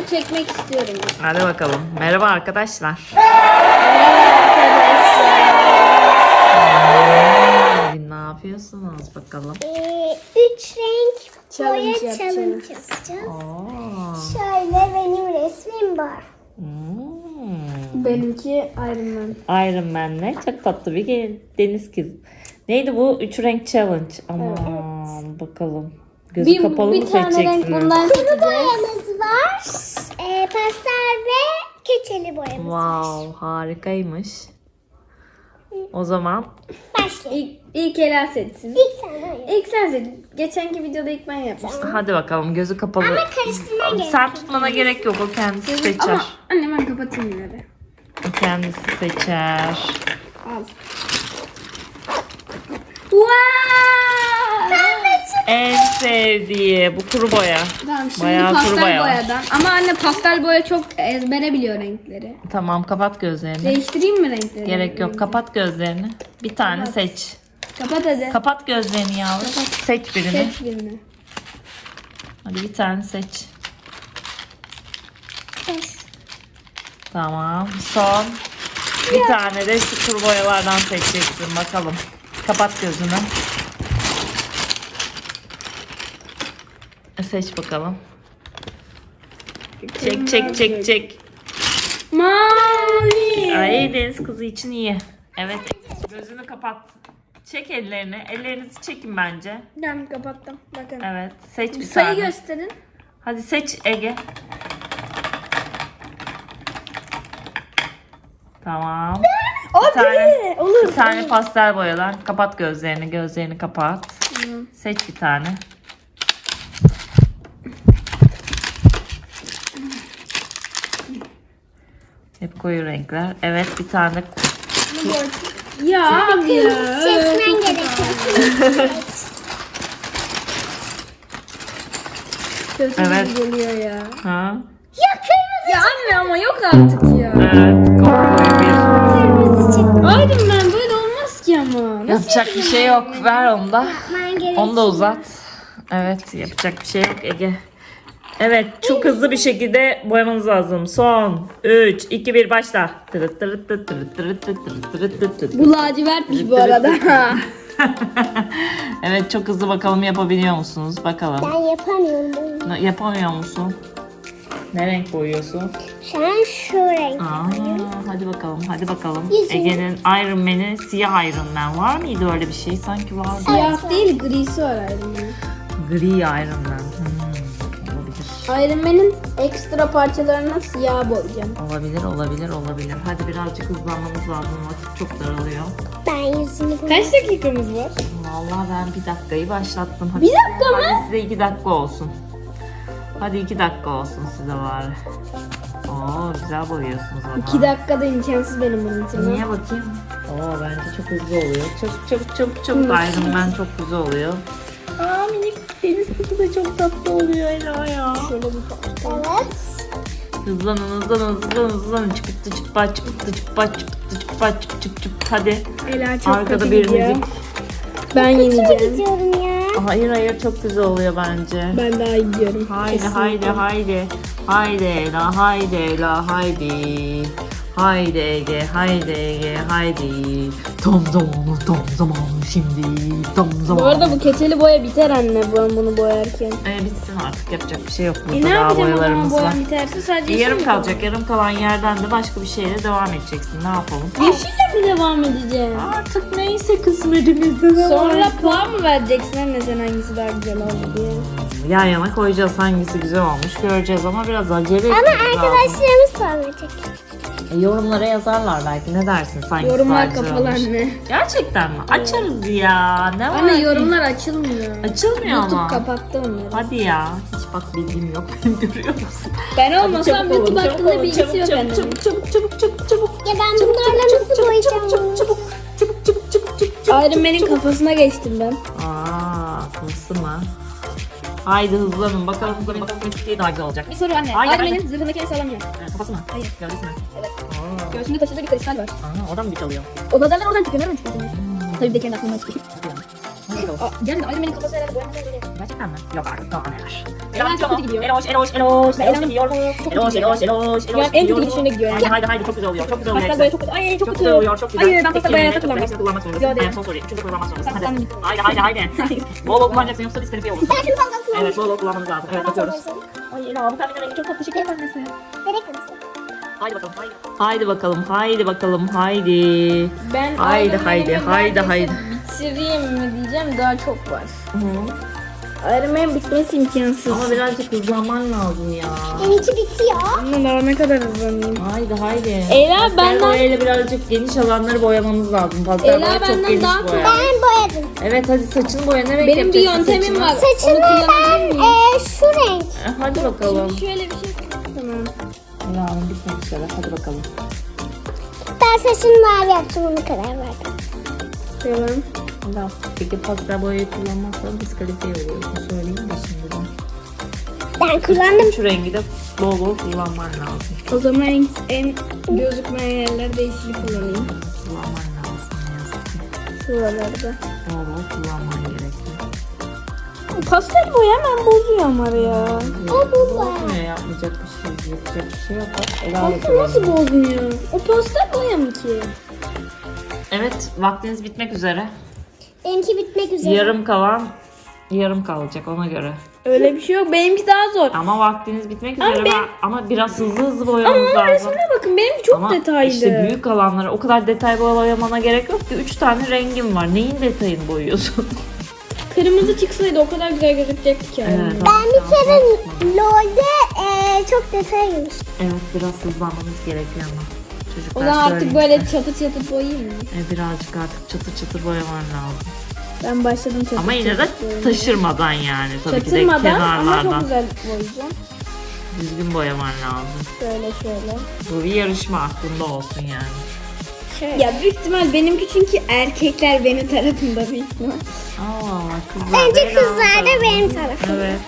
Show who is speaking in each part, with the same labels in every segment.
Speaker 1: çekmek istiyorum.
Speaker 2: Hadi bakalım. Merhaba arkadaşlar. Bugün ne yapıyorsunuz bakalım?
Speaker 3: 3 renk boya
Speaker 1: Challenge
Speaker 3: challenge yapacağız.
Speaker 2: Oo.
Speaker 3: Şöyle benim resmim var.
Speaker 1: Benimki Iron Man.
Speaker 2: Iron Man'le çok tatlı bir deniz kızı. Neydi bu? 3 renk challenge. Aman bakalım. Gözü kapalı mı
Speaker 1: bir tane renk
Speaker 2: seçeceksiniz?
Speaker 1: bundan seçeceğiz.
Speaker 3: Boyamız var. Pastel ve keçeli boyamız var.
Speaker 2: Wow, harikaymış. O zaman
Speaker 3: Başlayalım.
Speaker 1: İlk Ela seçsin.
Speaker 3: İlk sen boya.
Speaker 1: İlk sen seç. Geçenki videoda ilk ben yapmıştım.
Speaker 2: hadi bakalım, gözü kapalı.
Speaker 3: Ama karıştırman gerekiyor.
Speaker 2: Sen tutmana gerek yok, o kendisi seçer.
Speaker 1: Ama anne ben kapatayım yine de.
Speaker 2: O kendisi seçer.
Speaker 1: Al. Wow!
Speaker 2: En sevdiği bu kuru boya.
Speaker 1: Tamam şimdi
Speaker 2: Bayağı kuru
Speaker 1: pastel
Speaker 2: boya var.
Speaker 1: boyadan. Ama anne pastel boya çok ezbere biliyor renkleri.
Speaker 2: Tamam, kapat gözlerini.
Speaker 1: Değiştireyim mi renkleri?
Speaker 2: Gerek yok, kapat gözlerini. Bir tane seç.
Speaker 1: Kapat hadi.
Speaker 2: Kapat gözlerini yavrum. Seç birini.
Speaker 1: Seç birini.
Speaker 2: Hadi bir tane seç. Tamam. Son. Bir tane de şu kuru boyalardan seçeceksin. Bakalım. Kapat gözünü. Seç bakalım. Çek çek çek çek.
Speaker 1: Mavi.
Speaker 2: Ay, deniz kızı için iyi. Evet. Gözünü kapat. Çek ellerini. Ellerinizi çekin bence.
Speaker 1: Ben kapattım. Bakın.
Speaker 2: Evet. Seç bir
Speaker 1: Sayı
Speaker 2: tane.
Speaker 1: gösterin.
Speaker 2: Hadi seç Ege. Tamam. Bir tane,
Speaker 1: Olur.
Speaker 2: bir tane pastel boyadan. Kapat gözlerini. Gözlerini kapat. Seç bir tane. Hep koyu renkler. Evet, bir tane.
Speaker 1: Ya abi ya.
Speaker 3: Seçmen gerekiyor.
Speaker 1: Kötü
Speaker 2: Evet.
Speaker 1: geliyor ya.
Speaker 2: Ha?
Speaker 3: Ya kırmızı.
Speaker 1: Ya anne ama yok artık ya.
Speaker 2: Evet. Koyu bir.
Speaker 3: Kırmızı çıktı.
Speaker 1: Aydın ben böyle olmaz ki ama. Nasıl
Speaker 2: Yapacak bir şey yok. Ver onu da.
Speaker 3: Yapman gerekiyor.
Speaker 2: Onu da uzat. Evet, yapacak bir şey yok Ege. Evet, çok hızlı bir şekilde boyamanız lazım. Son 3, 2, 1 başla.
Speaker 1: Bu lacivertmiş bu arada.
Speaker 2: Evet, çok hızlı, bakalım yapabiliyor musunuz? Bakalım.
Speaker 3: Ben yapamıyorum.
Speaker 2: Yapamıyor musun? Ne renk boyuyorsun?
Speaker 3: Şu an şu renk.
Speaker 2: Hadi bakalım, hadi bakalım.
Speaker 3: Yüzüm.
Speaker 2: Ege'nin Iron Man'i siyah Iron Man var mıydı, öyle bir şey? Sanki vardı.
Speaker 1: Siyah değil grisi var Iron Man'in.
Speaker 2: Gri Iron Man. Olabilir.
Speaker 1: Iron Man'in ekstra parçalarına siyah boyayacağım.
Speaker 2: Olabilir. Hadi birazcık hızlanmamız lazım. Vakit çok daralıyor.
Speaker 3: Ben yüzünü
Speaker 1: Kaç dakikamız var?
Speaker 2: Vallahi ben bir dakikayı başlattım. Hadi.
Speaker 1: Bir dakika mı?
Speaker 2: Hadi size 2 dakika olsun. Hadi 2 dakika olsun size bari. Oo, güzel boyuyorsunuz ama.
Speaker 1: 2 dakikada imkansız benim bunun için.
Speaker 2: Niye bakayım? Oo, bence çok hızlı oluyor. Çok Iron Man çok güzel oluyor. Aa, minik deniz kızı da çok tatlı oluyor Ela ya.
Speaker 1: Şöyle bir parça.
Speaker 3: Evet.
Speaker 2: Hızlanın. Çıp. Hadi.
Speaker 1: Ela çok
Speaker 2: Arkada
Speaker 1: kötü
Speaker 2: bir
Speaker 1: gidiyor.
Speaker 2: müzik.
Speaker 1: Ben
Speaker 3: Çok
Speaker 1: yeneceğim.
Speaker 3: gidiyorum ya.
Speaker 2: Hayır, çok güzel oluyor bence.
Speaker 1: Ben daha iyi gidiyorum.
Speaker 2: Haydi.
Speaker 1: Kesinlikle.
Speaker 2: Haydi Ela, haydi. Haydi Ege, haydi. Tam zamanı şimdi. Tam
Speaker 1: Bu
Speaker 2: zamanı.
Speaker 1: arada bu keçeli boya biter anne ben bunu boyarken.
Speaker 2: Bitsin artık, yapacak bir şey yok.
Speaker 1: Ne
Speaker 2: Burada daha
Speaker 1: yapacağım o zaman
Speaker 2: boyalarımız var.
Speaker 1: boyam biterse sadece
Speaker 2: Yarım
Speaker 1: yeşil mi
Speaker 2: kalacak. Yarım kalan yerden de başka bir şeyle devam edeceksin. Ne yapalım?
Speaker 1: kalacak? Yeşille mi devam edeceğim?
Speaker 2: Artık neyse kısmetimizde de
Speaker 1: Sonra puan mı vereceksin anne sen hangisi daha güzel oldu diye?
Speaker 2: yan yana koyacağız, hangisi güzel olmuş göreceğiz ama biraz acele etmemiz
Speaker 3: Ama
Speaker 2: lazım.
Speaker 3: arkadaşlarımız puan verecek.
Speaker 2: Yorumlara yazarlar belki, ne dersin, hangisi
Speaker 1: Yorumlar
Speaker 2: daha güzel
Speaker 1: kapalı
Speaker 2: olmuş.
Speaker 1: anne.
Speaker 2: Gerçekten mi? Açarız ya. Ne var?
Speaker 1: Anne yorumlar açılmıyor.
Speaker 2: Açılmıyor
Speaker 1: YouTube
Speaker 2: ama.
Speaker 1: kapattı onları.
Speaker 2: Hadi ya. Hiç bak bilgim yok. Görüyor musun?
Speaker 1: Ben
Speaker 2: Hadi
Speaker 1: olmasam
Speaker 2: çabuk
Speaker 1: YouTube
Speaker 2: olun,
Speaker 1: hakkında bilgisi yok
Speaker 2: çabuk,
Speaker 1: annemin.
Speaker 3: Ya ben bunlarla nasıl boyayacağım?
Speaker 2: çabuk.
Speaker 1: Iron Man'in kafasına geçtim ben.
Speaker 2: Kılısı mı? Haydi hızlanın. Bakalım hangisi daha güzel olacak.
Speaker 1: Bir soru anne.
Speaker 2: Hayır,
Speaker 1: Iron
Speaker 2: hayır.
Speaker 1: Man'in zırhındaki en sağlam yer.
Speaker 2: Kafası mı?
Speaker 1: Hayır.
Speaker 2: Gövdesi mi?
Speaker 1: Evet.
Speaker 2: Aa.
Speaker 1: Göğsünde taşıdığı bir kristal var.
Speaker 2: Oradan mı bir çalıyor?
Speaker 1: O lazerler oradan çıkıyor. Nereden çıkıyor? Tabii bir de kendi aklımdan çıkıyor.
Speaker 2: bakalım.
Speaker 1: Yani Aydemen'in kafası herhalde boyanmaya göre.
Speaker 2: Gerçekten mi? Yok artık daha neler.
Speaker 1: Ela çok kötü gidiyor.
Speaker 2: Eloş gidiyor.
Speaker 1: Ya en kötü gidişine gidiyor.
Speaker 2: Haydi çok güzel oluyor. Çok güzel oluyor.
Speaker 1: Pastel boya çok kötü. Ay çok
Speaker 2: Çok
Speaker 1: kötü.
Speaker 2: güzel oluyor. Çok güzel.
Speaker 1: Hayır ben pastel boya takılamam.
Speaker 2: Hepsini kullanmak zorundasın.
Speaker 1: Yok değil.
Speaker 2: En son soruyu. Üçüncü kullanmak zorundasın.
Speaker 1: Sen
Speaker 2: Haydi. Bol bol kullanacaksın yoksa diskalifiye olursun.
Speaker 3: Ben şunu fazla kullanıyorum.
Speaker 2: Evet bol bol kullanmanız lazım. Evet bakıyoruz. Ay Ela bu pembenin rengi çok tatlı. Şeker pembesi.
Speaker 3: Nereye kırmızı?
Speaker 2: Haydi bakalım. Haydi bakalım. Haydi.
Speaker 1: Ben
Speaker 2: Haydi.
Speaker 1: bitireyim mi diyeceğim daha çok var. Aydemen'in bitmesi imkansız.
Speaker 2: Ama birazcık hızlanman lazım ya.
Speaker 3: Benimki bitiyor.
Speaker 1: Ama daha ne kadar hızlanayım.
Speaker 2: Haydi.
Speaker 1: Ela,
Speaker 2: Pastel
Speaker 1: benden-
Speaker 2: boyayla birazcık geniş alanları boyamamız lazım. Pastel
Speaker 1: Ela,
Speaker 2: boya çok
Speaker 1: benden
Speaker 2: geniş
Speaker 1: daha
Speaker 2: boya.
Speaker 3: Ben boyadım.
Speaker 2: Evet hadi saçını boya. Ne renk
Speaker 1: Benim bir
Speaker 2: yapacaksın
Speaker 1: yöntemim
Speaker 2: saçını?
Speaker 1: var.
Speaker 3: Saçımı
Speaker 1: Onu kullanabilir
Speaker 3: ben
Speaker 1: miyim?
Speaker 3: şu renk.
Speaker 2: Hadi bakalım.
Speaker 1: Şimdi şöyle bir şey tamam.
Speaker 2: Ela Hanım bitmek üzere. Hadi bakalım.
Speaker 3: Ben saçını mavi yaptım ona karar verdim.
Speaker 1: Tamam.
Speaker 2: Ela peki pastel boyayı kullanmazsan diskalifiye oluyorsun. Söyleyeyim de şimdiden.
Speaker 3: Ben kullandım.
Speaker 2: Şu rengi de bol bol kullanman lazım.
Speaker 1: O zaman en gözükmeyen yerlerde yeşili kullanayım.
Speaker 2: Kullanman lazım. Ne yazık ki.
Speaker 1: Şuralarda.
Speaker 2: Bol bol kullanman gerekiyor.
Speaker 1: Pastel boya hemen bozuyor ama ya.
Speaker 2: Bozmuyor yapmayacak bir şey. Yapacak bir şey yok. Bak, Ela da
Speaker 1: Pastel nasıl
Speaker 2: kullanıyor.
Speaker 1: bozmuyor? O pastel boya mı ki?
Speaker 2: Evet vaktiniz bitmek üzere.
Speaker 3: Benimki bitmek üzere.
Speaker 2: Yarım kalacak ona göre.
Speaker 1: Öyle bir şey yok. Benimki daha zor.
Speaker 2: Ama vaktiniz bitmek
Speaker 1: Ama
Speaker 2: üzere
Speaker 1: ben-
Speaker 2: ama biraz hızlı boyamamız
Speaker 1: Ama
Speaker 2: lazım.
Speaker 1: resmine bakın benimki çok
Speaker 2: Ama
Speaker 1: detaylı.
Speaker 2: işte büyük alanlara o kadar detay boyamana gerek yok ki. 3 tane rengim var. Neyin detayını boyuyorsun?
Speaker 1: Kırmızı çıksaydı o kadar güzel gözükecekti ki.
Speaker 2: Evet,
Speaker 3: Ben bir kere LoL'de çok detay girmiş.
Speaker 2: Evet biraz hızlanmamız gerekiyor ama.
Speaker 1: O
Speaker 2: Çocuklar
Speaker 1: zaman artık
Speaker 2: söyleyince.
Speaker 1: böyle çatır çatır boyayayım mı?
Speaker 2: Birazcık artık çatır boyaman lazım.
Speaker 1: Ben başladım çatır
Speaker 2: Ama yine de
Speaker 1: çatır boyamaya.
Speaker 2: taşırmadan yani tabii ki de
Speaker 1: Çatırmadan ama çok
Speaker 2: kenarlardan.
Speaker 1: güzel boyayacağım.
Speaker 2: Düzgün boyaman lazım.
Speaker 1: Şöyle.
Speaker 2: Bu bir yarışma aklında olsun yani.
Speaker 3: Şöyle.
Speaker 1: Ya büyük ihtimal benimki çünkü erkekler benim tarafımda büyük ihtimal.
Speaker 2: Allah kızlar.
Speaker 3: Bence
Speaker 2: Ela'nın
Speaker 3: kızlar da
Speaker 2: tarafı.
Speaker 3: benim tarafım.
Speaker 2: Evet.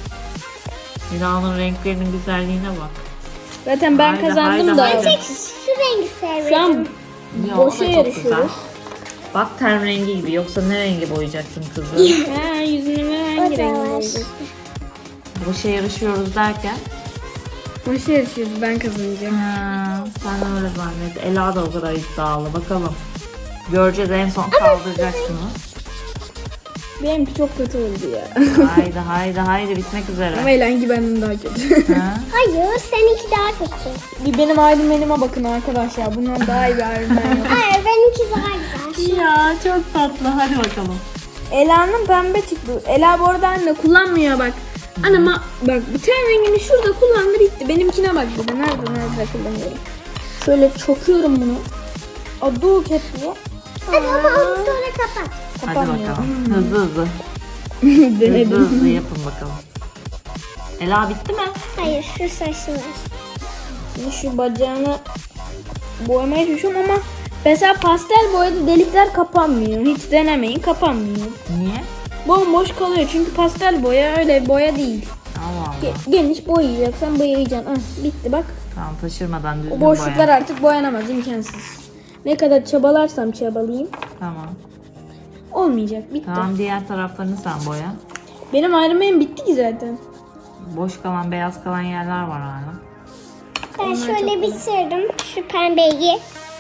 Speaker 2: Ela'nın renklerinin güzelliğine bak.
Speaker 1: Zaten ben
Speaker 2: Haydi,
Speaker 1: kazandım da.
Speaker 2: haydi.
Speaker 3: Şu rengi
Speaker 1: Şu an
Speaker 3: sevmedim.
Speaker 2: Ya, o da
Speaker 1: boşa
Speaker 2: çok
Speaker 1: yarışıyoruz.
Speaker 2: güzel. Bak ten rengi gibi yoksa ne rengi boyayacaksın kızı?
Speaker 1: Ha, yüzünü hangi
Speaker 3: O da
Speaker 1: renk
Speaker 3: var.
Speaker 1: boyayacağız?
Speaker 2: Boşa yarışıyoruz derken.
Speaker 1: Boşa yarışıyoruz ben kazanacağım.
Speaker 2: Sen öyle zannet. Ela da o kadar iddialı. Bakalım. Göreceğiz en son kaldıracaksınız.
Speaker 1: Benimki çok kötü oldu ya.
Speaker 2: Haydi bitmek
Speaker 1: Ama
Speaker 2: üzere.
Speaker 1: Elengi benden daha kötü.
Speaker 2: Ha?
Speaker 3: Hayır seninki daha kötü.
Speaker 1: Bir benim Aydemen'ime bakın arkadaşlar. Bundan daha iyi bir Aydemen yok.
Speaker 3: Hayır benimki daha güzel.
Speaker 2: Ya çok tatlı. Hadi bakalım.
Speaker 1: Ela'nın pembe çıktı. Ela bu arada anne kullanmıyor bak. Anama bak bu ten rengini şurada kullandı bitti. Benimkine bak bir de. Nerede kullanıyorum. Şöyle çokuyorum bunu. Adı diye.
Speaker 3: Hadi ama onu sonra kapat.
Speaker 2: Hadi
Speaker 1: Kapanmıyor.
Speaker 2: bakalım. Hızlı.
Speaker 1: Denedim.
Speaker 2: Hızlı yapın bakalım. Ela bitti mi?
Speaker 3: Hayır şu saçı var.
Speaker 1: Şimdi şu bacağını boyamaya çalışıyorum ama mesela pastel boyada delikler kapanmıyor. Hiç denemeyin kapanmıyor.
Speaker 2: Niye?
Speaker 1: Bomboş kalıyor çünkü pastel boya öyle boya değil.
Speaker 2: Allah Allah.
Speaker 1: Geniş boyayacaksan boyayacaksın. Ah, bitti bak.
Speaker 2: Tamam taşırmadan düzgün
Speaker 1: O boşluklar
Speaker 2: boya.
Speaker 1: artık boyanamaz imkansız. Ne kadar çabalarsam çabalayayım
Speaker 2: Tamam.
Speaker 1: olmayacak bitti.
Speaker 2: Tamam diğer taraflarını sen boya.
Speaker 1: Benim ayrımım bitti ki zaten.
Speaker 2: Boş kalan beyaz kalan yerler var hala.
Speaker 3: Ben şöyle bitirdim şu pembeyi.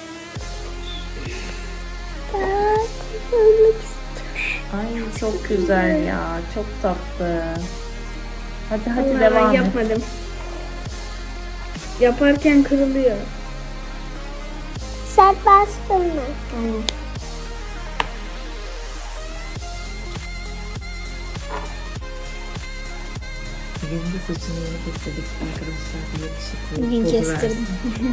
Speaker 2: Ay çok güzel ya. Çok tatlı. Hadi
Speaker 1: Vallahi
Speaker 2: devam
Speaker 1: ben
Speaker 2: et.
Speaker 1: yapmadım. Yaparken kırılıyor.
Speaker 3: Sert bastın mı?
Speaker 1: Tamam.
Speaker 2: Bugün de saçını yeni kestirdik arkadaşlar. Bir yakışıklı
Speaker 1: Bugün
Speaker 2: pozu
Speaker 1: kestirdim.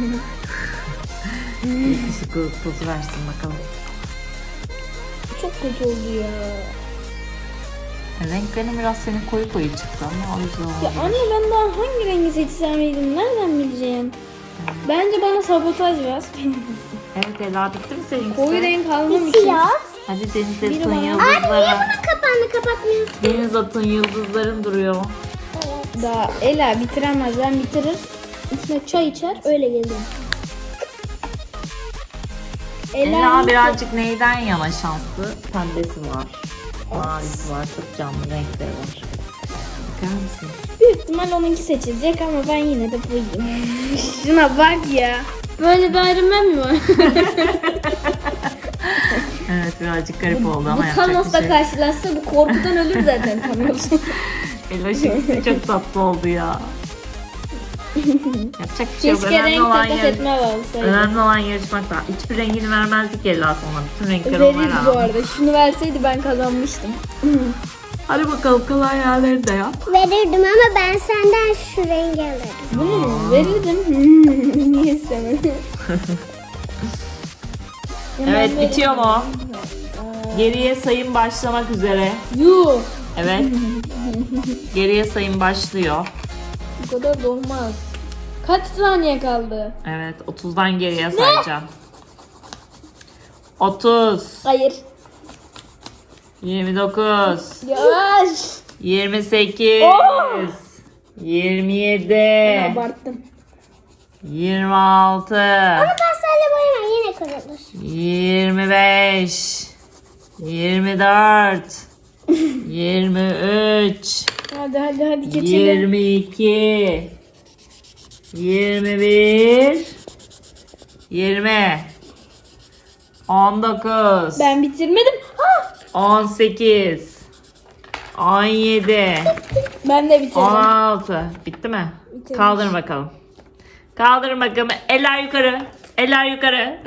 Speaker 2: versin. Yakışıklı pozu versin bakalım.
Speaker 1: Çok kötü oldu ya.
Speaker 2: Renklerin biraz senin koyu çıktı ama o yüzden
Speaker 1: Ya
Speaker 2: olabilir.
Speaker 1: anne ben daha hangi rengi seçsem nereden bileceğim? Bence bana sabotaj ver.
Speaker 2: Evet Ela bitti mi seninkisi?
Speaker 1: Koyu renk almam için.
Speaker 3: Bitiyor.
Speaker 2: Hadi deniz
Speaker 1: Biri
Speaker 2: atın
Speaker 1: bana-
Speaker 3: Abi niye
Speaker 2: yıldızlara.
Speaker 3: bunun kapağını kapatmıyorsun?
Speaker 2: Deniz atın yıldızların duruyor.
Speaker 1: Daha Ela bitiremez. Ben bitirir. İçine çay içer öyle gelirim.
Speaker 2: Ela birazcık neyden yana şanslı? Pembesi var. Mavisi var. Çok canlı renkleri var. Bakar mısınız?
Speaker 1: Büyük ihtimal onunki seçilecek ama ben yine de buyum. Şuna bak ya. Böyle bir Iron Man mi var?
Speaker 2: Evet birazcık garip oldu ama
Speaker 1: Bu
Speaker 2: yapacak
Speaker 1: Thanos'la
Speaker 2: bir şey.
Speaker 1: karşılaşsa bu korkudan ölür zaten Thanos.
Speaker 2: Eloş'un çok tatlı oldu ya. Yapacak bir şey yok.
Speaker 1: Keşke renk takas etme olsaydı.
Speaker 2: Önemli olan yarışmak da. Hiçbir rengini vermezdik Ela sonra. Bütün renkleri
Speaker 1: Verirdi
Speaker 2: onlar
Speaker 1: bu
Speaker 2: aldı.
Speaker 1: arada. Şunu verseydi ben kazanmıştım.
Speaker 2: Hadi bakalım kalan yerleri de yap.
Speaker 3: Verirdim ama ben senden şu rengi alırım.
Speaker 1: Bunu mu? Verirdim. Niye istemedin?
Speaker 2: Evet bitiyor mu? Geriye sayım başlamak üzere.
Speaker 1: Yuh.
Speaker 2: Evet. Geriye sayım başlıyor.
Speaker 1: Bu kadar da olmaz. Kaç saniye kaldı?
Speaker 2: Evet 30'dan geriye sayacağım. 30,
Speaker 1: Hayır.
Speaker 2: 29,
Speaker 1: Yavaş.
Speaker 2: 28,
Speaker 1: Oh!
Speaker 2: 27,
Speaker 1: Abarttım.
Speaker 2: 26,
Speaker 3: Pastarla boyama yine kırılır.
Speaker 2: 25, 24, 23,
Speaker 1: Hadi geçelim.
Speaker 2: 22, 21, 20, 19,
Speaker 1: Ben bitirmedim. Ha!
Speaker 2: 18, 17,
Speaker 1: Ben de bitirdim.
Speaker 2: 16. Bitti mi?
Speaker 1: Bitirmiş.
Speaker 2: Kaldırın bakalım. Kaldırın bakalım. Eller yukarı. Eller yukarı.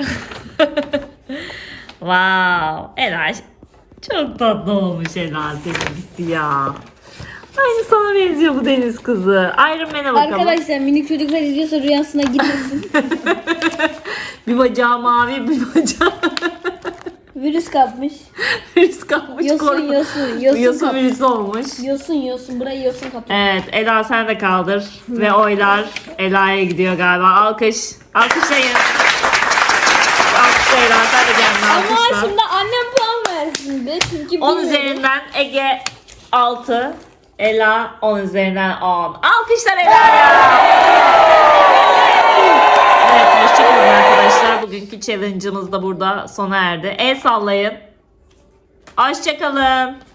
Speaker 2: Wow. Ela çok tatlı olmuş Ela seninkisi ya. Aynı sana benziyor bu deniz kızı. Iron Man'e bakalım.
Speaker 1: Arkadaşlar minik çocuklar izliyorsa rüyasına girmesin.
Speaker 2: Bir bacağı mavi, bir bacağı
Speaker 1: Virüs kapmış.
Speaker 2: virüs kapmış.
Speaker 1: Yosun
Speaker 2: korkma.
Speaker 1: yosun.
Speaker 2: Yosun
Speaker 1: Yosun
Speaker 2: virüsü olmuş.
Speaker 1: yosun. Burayı yosun kapmış.
Speaker 2: Evet Ela sen de kaldır. Ve oylar Ela'ya gidiyor galiba. Alkış. Alkışlayın. Alkışla Ela sen de kendini
Speaker 1: Ama
Speaker 2: alkışla.
Speaker 1: şimdi annem puan versin be. Çünkü
Speaker 2: 10
Speaker 1: bilmiyorum.
Speaker 2: üzerinden Ege 6. Ela 10 üzerinden 10. Alkışlar Ela'ya. Evet hoşçakalın arkadaşlar. Bugünkü challenge'ımız da burada sona erdi. El sallayın. Hoşçakalın.